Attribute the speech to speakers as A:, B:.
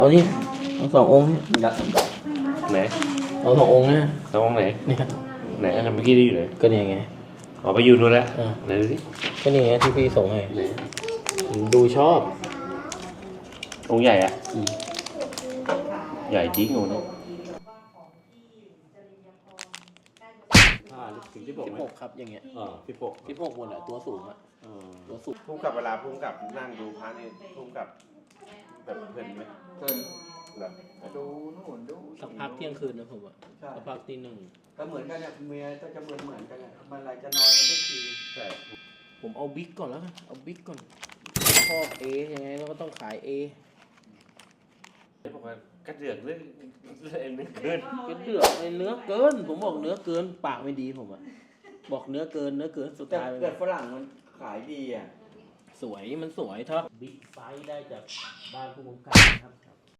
A: เอานี่เอาสององค์นี่
B: ไหน
A: เอาสององค์เนี่ย
B: น้องไหน
A: เนี่ย
B: ไหนอันนั้นเมื่อกี้ได้อยู่ไหน
A: ก็เนี่ยไง
B: อ๋อไปอยู่นู่นแล้ว
A: อ่า
B: ไหนดูสิ
A: ก็นี่ไงที่พี่ส่งให้
B: ไหน
A: ผมดูชอบ
B: องค์ใหญ่อะใหญ่จริงองค์นี้
A: ถึง16ครับอย่างเงี้ย 16หมดแหละตัวสูงอ่ะตัวสูง
C: พุ่งกับเวลาพุ่งกับนั่งดูพระนี่พุ่งกับแบบเพลินไหม
D: เกิน
C: เหรอ
D: ดูนู่นดู
A: สักพักเที่ยงคืนนะผมอ่ะ
D: ใช่
A: สักพักตีหนึ่ง
D: ก็เหมือนกันเนี่ยเมียก็จะเหมือนกันเนี่ยมันอะไรจะนอนกันทุกที
C: ใช่
A: ผมเอาบิ๊กก่อนแล้วกันเอาบิ๊กก่อนชอบเอยังไงเราก็ต้องขายเอ
B: บอกว่ากระเดือกเรื่องเองนึกเกิน
A: ก็เดือดเนื้อเกินผมบอกเนื้อเกินปากไม่ดีผมอ่ะบอกเนื้อเกินสุด
D: แต่
A: ท้าย
D: เกิดฝรั่งมันขายดีอ่ะ
A: สวยมันสวยถ้าบิ๊กไซส์ได้จากบ้านผู้กำกับนะครับ